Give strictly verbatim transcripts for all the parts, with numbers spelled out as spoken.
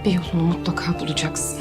Bir yolunu mutlaka bulacaksın.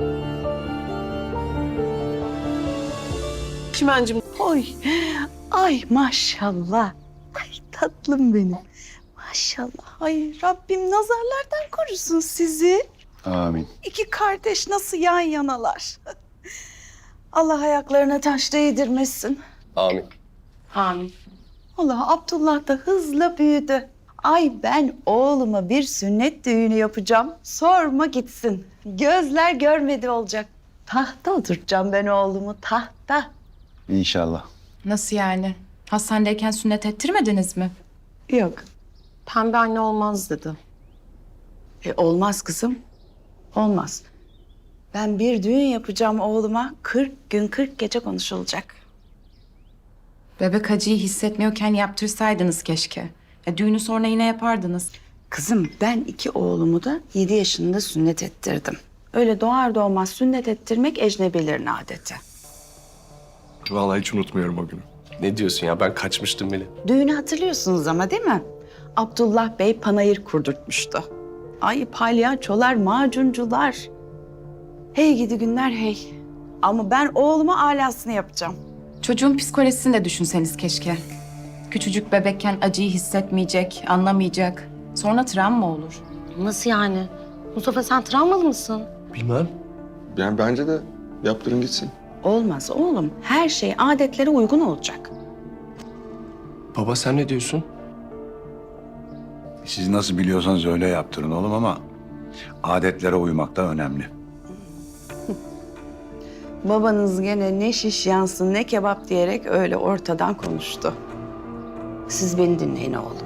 Çimencim. Oy, ay maşallah. Ay tatlım benim. Maşallah. Ay Rabbim nazarlardan korusun sizi. Amin. İki kardeş nasıl yan yanalar. Allah ayaklarına taş değdirmesin. Amin. Amin. Allah Abdullah da hızla büyüdü. Ay ben oğluma bir sünnet düğünü yapacağım. Sorma gitsin. Gözler görmedi olacak. Tahta oturtacağım ben oğlumu, tahta. İnşallah. Nasıl yani? Hastanedeyken sünnet ettirmediniz mi? Yok. Pembe anne olmaz dedi. E, olmaz kızım. Olmaz. Ben bir düğün yapacağım oğluma. kırk gün kırk gece konuşulacak. Bebek acıyı hissetmiyorken yaptırsaydınız keşke. Ya, düğünü sonra yine yapardınız. Kızım ben iki oğlumu da yedi yaşında sünnet ettirdim. Öyle doğar doğmaz sünnet ettirmek ecnebilerin adeti. Vallahi hiç unutmuyorum o günü. Ne diyorsun ya? Ben kaçmıştım bile. Düğünü hatırlıyorsunuz ama değil mi? Abdullah Bey panayır kurdurtmuştu. Ay palyaçolar, macuncular. Hey gidi günler hey. Ama ben oğluma alasını yapacağım. Çocuğun psikolojisini de düşünseniz keşke. Küçücük bebekken acıyı hissetmeyecek, anlamayacak. Sonra travma olur. Nasıl yani? Mustafa sen travmalı mısın? Bilmem. Yani bence de yaptırın gitsin. Olmaz oğlum. Her şey adetlere uygun olacak. Baba sen ne diyorsun? Siz nasıl biliyorsanız öyle yaptırın oğlum ama adetlere uymak da önemli. Babanız gene ne şiş yansın ne kebap diyerek öyle ortadan konuştu. Siz beni dinleyin oğlum.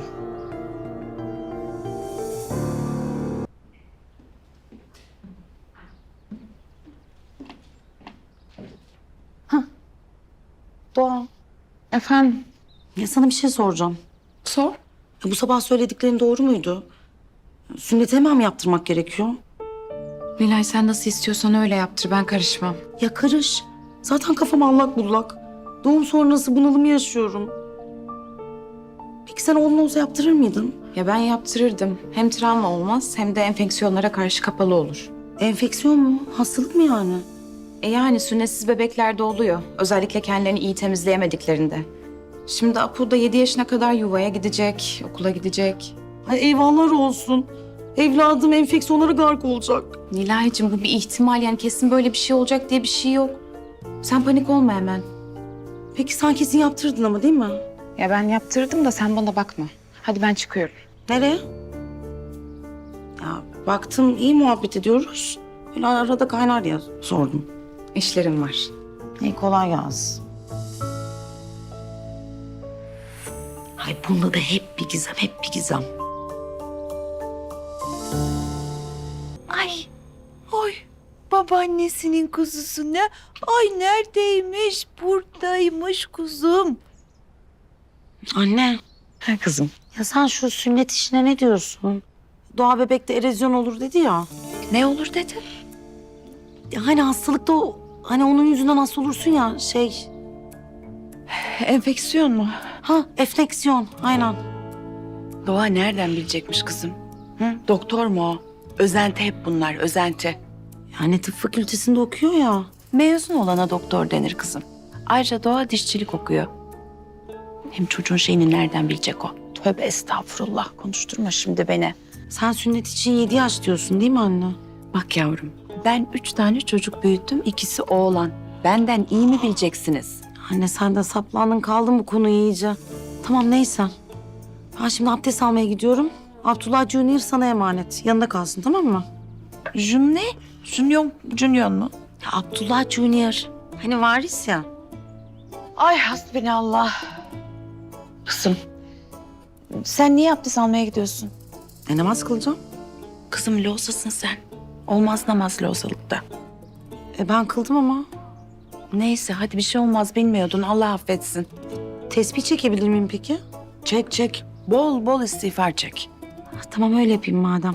Doğa. Efendim? Ya sana bir şey soracağım. Sor. Ya bu sabah söylediklerin doğru muydu? Sünneti hemen mi yaptırmak gerekiyor? Nilay sen nasıl istiyorsan öyle yaptır. Ben karışmam. Ya karış. Zaten kafam allak bullak. Doğum sonrası bunalımı yaşıyorum. Peki sen oğlun olsa yaptırır mıydın? Ya ben yaptırırdım. Hem travma olmaz hem de enfeksiyonlara karşı kapalı olur. Enfeksiyon mu? Hastalık mı yani? E yani sünnetsiz bebeklerde oluyor. Özellikle kendilerini iyi temizleyemediklerinde. Şimdi Apu da yedi yaşına kadar yuvaya gidecek, okula gidecek. Ay eyvahlar olsun. Evladım enfeksiyonlara gark olacak. Nilay'cığım bu bir ihtimal, yani kesin böyle bir şey olacak diye bir şey yok. Sen panik olma hemen. Peki sen kesin yaptırdın ama değil mi? Ya ben yaptırdım da sen bana bakma. Hadi ben çıkıyorum. Nereye? Ya baktım iyi muhabbet ediyoruz. Öyle arada kaynar ya sordum. İşlerim var. İyi kolay gelsin. Ay bunda da hep bir gizem, hep bir gizem. Ay, oy babaannesinin kuzusu ne? Ay neredeymiş? Buradaymış kuzum. Anne, Ha kızım. ya sen şu sünnet işine ne diyorsun? Doğa bebekte erozyon olur dedi ya. Ne olur dedi? Ya hani hastalıkta o, hani onun yüzünden hasta olursun ya şey. Enfeksiyon mu? Ha, enfeksiyon, aynen. Doğa nereden bilecekmiş kızım? Hı? Doktor mu o? Özenti hep bunlar, özenti. Yani tıp fakültesinde okuyor ya. Mezun olana doktor denir kızım. Ayrıca Doğa dişçilik okuyor. Hem çocuğun şeyini nereden bilecek o? Tövbe estağfurullah, konuşturma şimdi beni. Sen sünnet için yedi yaş diyorsun değil mi anne? Bak yavrum, ben üç tane çocuk büyüttüm, ikisi oğlan. Benden iyi mi bileceksiniz? Anne sen de saplandın kaldın bu konuyu iyice. Tamam neyse. Ben şimdi abdest almaya gidiyorum. Abdullah Junior sana emanet. Yanında kalsın tamam mı? Jun ne? Junior, Junior mu? Ya Abdullah Junior. Hani varis ya. Ay hasbinallah. Kızım, sen niye abdest almaya gidiyorsun? E namaz kılacağım. Kızım losasın sen. Olmaz namaz losalıkta. E ben kıldım ama. Neyse hadi bir şey olmaz, bilmiyordun, Allah affetsin. Tesbih çekebilir miyim peki? Çek çek, bol bol istiğfar çek. Ha, tamam öyle yapayım madem.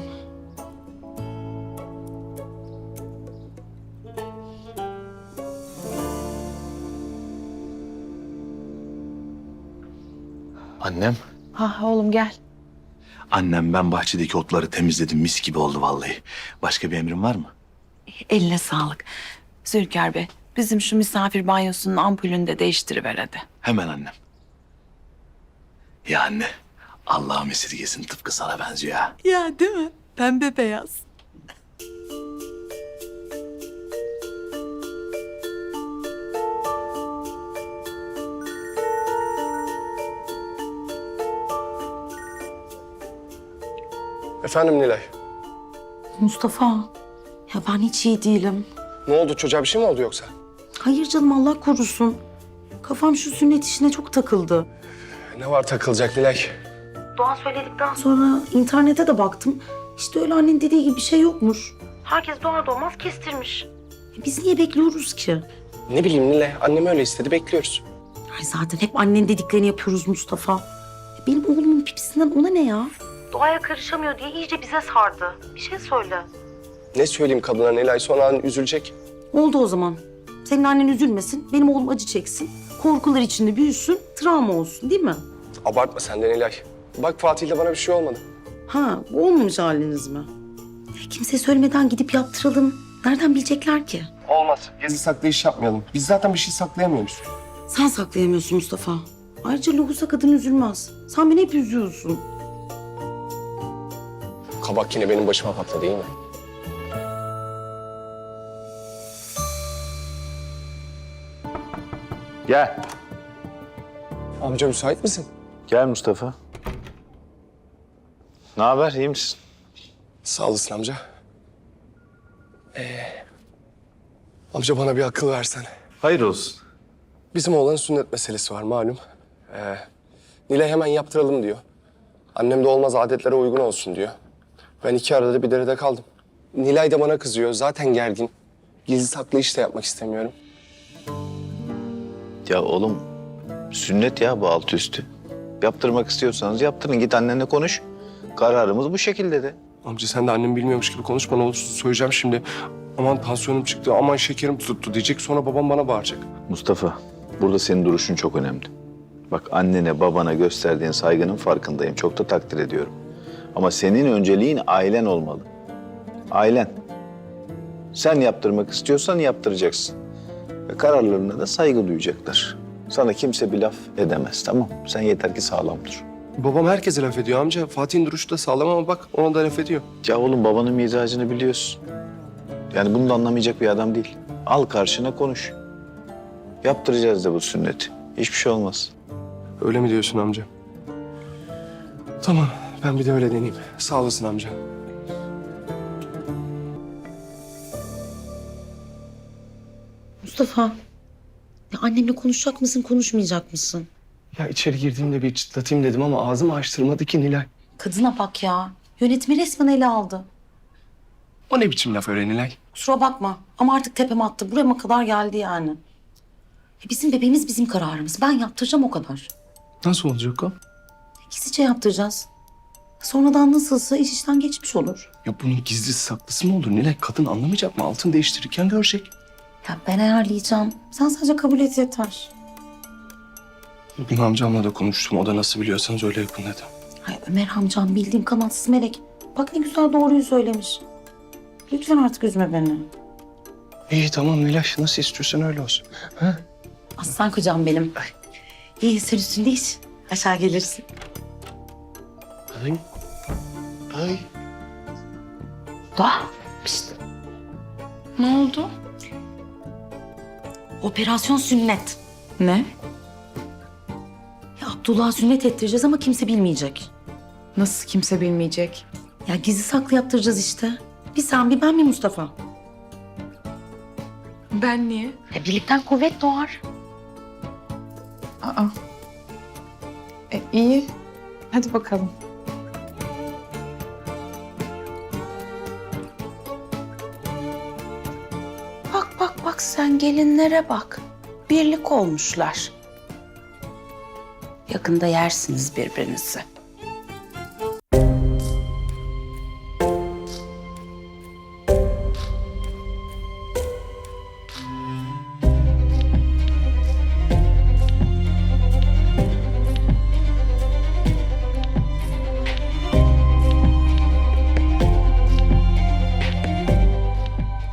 Annem. Ha oğlum gel. Annem ben bahçedeki otları temizledim. Mis gibi oldu vallahi. Başka bir emrin var mı? Eline sağlık. Zülker Bey, bizim şu misafir banyosunun ampulünü de değiştiriver hadi. Hemen annem. Ya anne, Allah'ım esirgesin tıpkı sana benziyor ha. Ya değil mi? Pembe beyaz. Efendim Nilay. Mustafa, ya ben hiç iyi değilim. Ne oldu, çocuğa bir şey mi oldu yoksa? Hayır canım, Allah korusun. Kafam şu sünnet işine çok takıldı. Ne var takılacak Nilay? Doğan söyledikten sonra internete de baktım. İşte öyle annenin dediği gibi bir şey yokmuş. Herkes doğar doğmaz kestirmiş. E biz niye bekliyoruz ki? Ne bileyim Nilay, annem öyle istedi, bekliyoruz. Ay zaten hep annenin dediklerini yapıyoruz Mustafa. E benim oğlumun pipisinden ona ne ya? Doğaya karışamıyor diye iyice bize sardı. Bir şey söyle. Ne söyleyeyim kadına Nilay, sonra annen üzülecek. Oldu o zaman. Senin annen üzülmesin, benim oğlum acı çeksin. Korkular içinde büyüsün, travma olsun değil mi? Abartma sen de Nilay. Bak Fatih'le bana bir şey olmadı. Ha, bu olmamış haliniz mi? E, kimseye söylemeden gidip yaptıralım. Nereden bilecekler ki? Olmaz. Gizli saklı iş yapmayalım. Biz zaten bir şey saklayamıyoruz. Sen saklayamıyorsun Mustafa. Ayrıca lohusa kadın üzülmez. Sen beni hep üzüyorsun. Kabak yine benim başıma patladı değil mi? Gel. Amca müsait misin? Gel Mustafa. Ne haber, iyi misin? Sağ olasın amca. Ee, amca bana bir akıl versene. Hayır olsun. Bizim oğlanın sünnet meselesi var malum. Ee, Nilay hemen yaptıralım diyor. Annem de olmaz adetlere uygun olsun diyor. Ben iki arada bir derede kaldım. Nilay da bana kızıyor. Zaten gergin. Gizli saklı iş de yapmak istemiyorum. Ya oğlum, sünnet ya bu altı üstü. Yaptırmak istiyorsanız yaptırın. Git annenle konuş. Kararımız bu şekilde de. Amca sen de annem bilmiyormuş gibi konuşma. Ne olursa söyleyeceğim şimdi. Aman tansiyonum çıktı, aman şekerim tuttu diyecek. Sonra babam bana bağıracak. Mustafa, burada senin duruşun çok önemli. Bak annene, babana gösterdiğin saygının farkındayım. Çok da takdir ediyorum. Ama senin önceliğin ailen olmalı. Ailen. Sen yaptırmak istiyorsan yaptıracaksın. Ve kararlarına da saygı duyacaklar. Sana kimse bir laf edemez, tamam? Sen yeter ki sağlam dur. Babam herkese laf ediyor amca. Fatih'in duruşu da sağlam ama bak ona da laf ediyor. Ya oğlum babanın mizacını biliyorsun. Yani bunu da anlamayacak bir adam değil. Al karşına konuş. Yaptıracağız da bu sünneti. Hiçbir şey olmaz. Öyle mi diyorsun amca? Tamam, ben bir de öyle deneyeyim. Sağ olasın amca. Mustafa, ya annemle konuşacak mısın, konuşmayacak mısın? Ya içeri girdiğimde bir çıtlatayım dedim ama ağzımı açtırmadı ki Nilay. Kadına bak ya. Yönetimi resmen ele aldı. O ne biçim laf öyle Nilay? Kusura bakma ama artık tepeme attı. Burama kadar geldi yani. E bizim bebeğimiz bizim kararımız. Ben yaptıracağım o kadar. Nasıl olacak o? Gizlice yaptıracağız. Sonradan nasılsa iş işten geçmiş olur. Ya bunun gizli saklısı mı olur Nilay? Kadın anlamayacak mı? Altın değiştirirken görecek. Ya ben ayarlayacağım. Sen sadece kabul et yeter. Bugün amcamla da konuştum. O da nasıl biliyorsanız öyle yapın dedi. Ay Ömer amcam bildiğin kanatsız melek. Bak ne güzel doğruyu söylemiş. Lütfen artık üzme beni. İyi tamam Nilay. Nasıl istiyorsan öyle olsun. Ha? Aslan kocam benim. İyi sen üstünde iç. Aşağı gelirsin. Ay. Ay. Doğa. Pişt. Ne oldu? Operasyon sünnet. Ne? Ya Abdullah'a sünnet ettireceğiz ama kimse bilmeyecek. Nasıl kimse bilmeyecek? Ya gizli saklı yaptıracağız işte. Bir sen bir ben bir Mustafa. Ben niye? Ya birlikten kuvvet doğar. Aa. E, iyi. Hadi bakalım. Bak bak bak sen gelinlere bak. Birlik olmuşlar. Yakında yersiniz birbirinizi.